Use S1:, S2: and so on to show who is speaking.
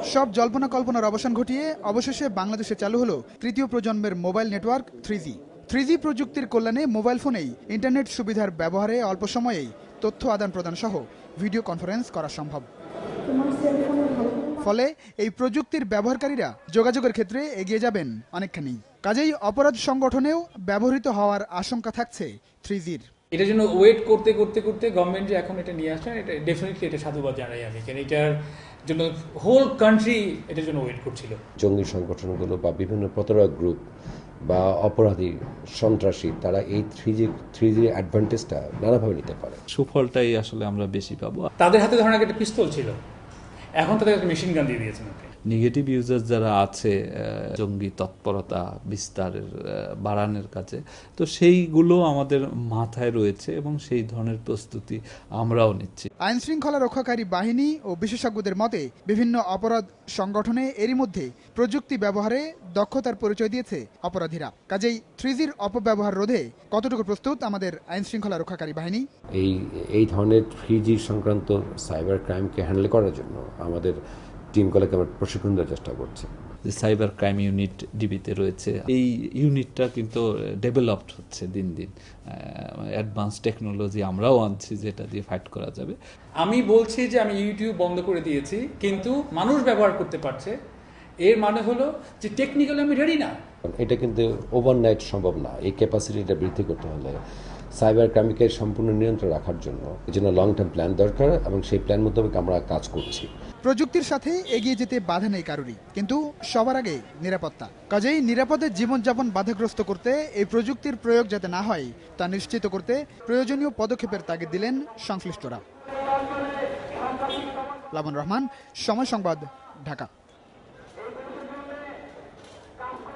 S1: সব জল্পনা কল্পনার অবসান ঘটিয়ে অবশেষে বাংলাদেশে চালু হলো তৃতীয় প্রজন্মের মোবাইল নেটওয়ার্ক 3G। 3G প্রযুক্তির কল্যাণে মোবাইল ফোনেই ইন্টারনেট সুবিধার ব্যবহারে অল্প সময়েই তথ্য আদান প্রদান সহ ভিডিও কনফারেন্স করা সম্ভব। ফলে এই প্রযুক্তির ব্যবহারকারীরা যোগাযোগের ক্ষেত্রে এগিয়ে যাবেন অনেকখানি। কাজেই অপরাধ সংগঠনেও ব্যবহৃত হওয়ার আশঙ্কা থাকছে 3Gর।
S2: এটার জন্য ওয়েট করতে করতে করতে গভর্নমেন্ট যে এখন এটা নিয়ে আসে, এটা ডেফিনেটলি এটা সাধুবাদ জানাই আমি, কারণ এটার জন্য হোল কান্ট্রি এটার জন্য ওয়েট করছিল।
S3: জঙ্গি সংগঠনগুলো বা বিভিন্ন প্রতারক গ্রুপ বা অপরাধী সন্ত্রাসী তারা এই থ্রি জি অ্যাডভান্টেজটা নানাভাবে নিতে পারে।
S4: সুফলটাই আসলে আমরা বেশি পাবো।
S2: তাদের হাতে ধরেন একটা পিস্তল ছিল, এখন তাদের একটা মেশিন গান দিয়ে দিয়েছেন।
S4: নেগেটিভ ইউজার যারা আছে জঙ্গি তৎপরতা বিস্তারের বাড়ানোর কাছে, তো সেইগুলো আমাদের মাথায় রয়েছে এবং সেই ধরনের প্রস্তুতি আমরাও নিচ্ছি।
S1: আইন শৃঙ্খলা রক্ষাকারী বাহিনী ও বিশেষজ্ঞদের মতে বিভিন্ন অপরাধ সংগঠনে এরই মধ্যে প্রযুক্তি ব্যবহারে দক্ষতার পরিচয় দিয়েছে অপরাধীরা। কাজেই 3Gর অপব্যবহার রোধে কতটুকু প্রস্তুত আমাদের আইন শৃঙ্খলা রক্ষাকারী বাহিনী?
S3: এই ধরনের 3G সংক্রান্ত সাইবার ক্রাইমকে হ্যান্ডেল করার জন্য আমাদের টিমগুলোকে আমরা প্রশিক্ষণ দেওয়ার চেষ্টা করছি।
S4: সাইবার ক্রাইম ইউনিট ডিবিতে রয়েছে, এই ইউনিটটা কিন্তু ডেভেলপড হচ্ছে দিন দিন। অ্যাডভান্স টেকনোলজি আমরাও আনছি যেটা দিয়ে ফাইট করা যাবে।
S2: আমি বলছি যে আমি ইউটিউব বন্ধ করে দিয়েছি, কিন্তু মানুষ ব্যবহার করতে পারছে, এর মানে হলো যে টেকনিক্যালি আমি রেডি না।
S3: এটা কিন্তু ওভারনাইট সম্ভব না। এই ক্যাপাসিটিটা বৃদ্ধি করতে হলে সাইবার ক্রাইমকে সম্পূর্ণ নিয়ন্ত্রণ রাখার জন্য এজন্য লং টার্ম প্ল্যান দরকার এবং সেই প্ল্যান মোতাবেক আমরা কাজ করছি।
S1: প্রযুক্তির সাথে এগিয়ে যেতে বাধা নেই কারোরই, কিন্তু সবার আগে নিরাপত্তা। কাজেই নিরাপদে জীবনযাপন বাধাগ্রস্ত করতে এই প্রযুক্তির প্রয়োগ যাতে না হয় তা নিশ্চিত করতে প্রয়োজনীয় পদক্ষেপের তাগিদ দিলেন সংশ্লিষ্টরা। লাবন রহমান, সময় সংবাদ, ঢাকা।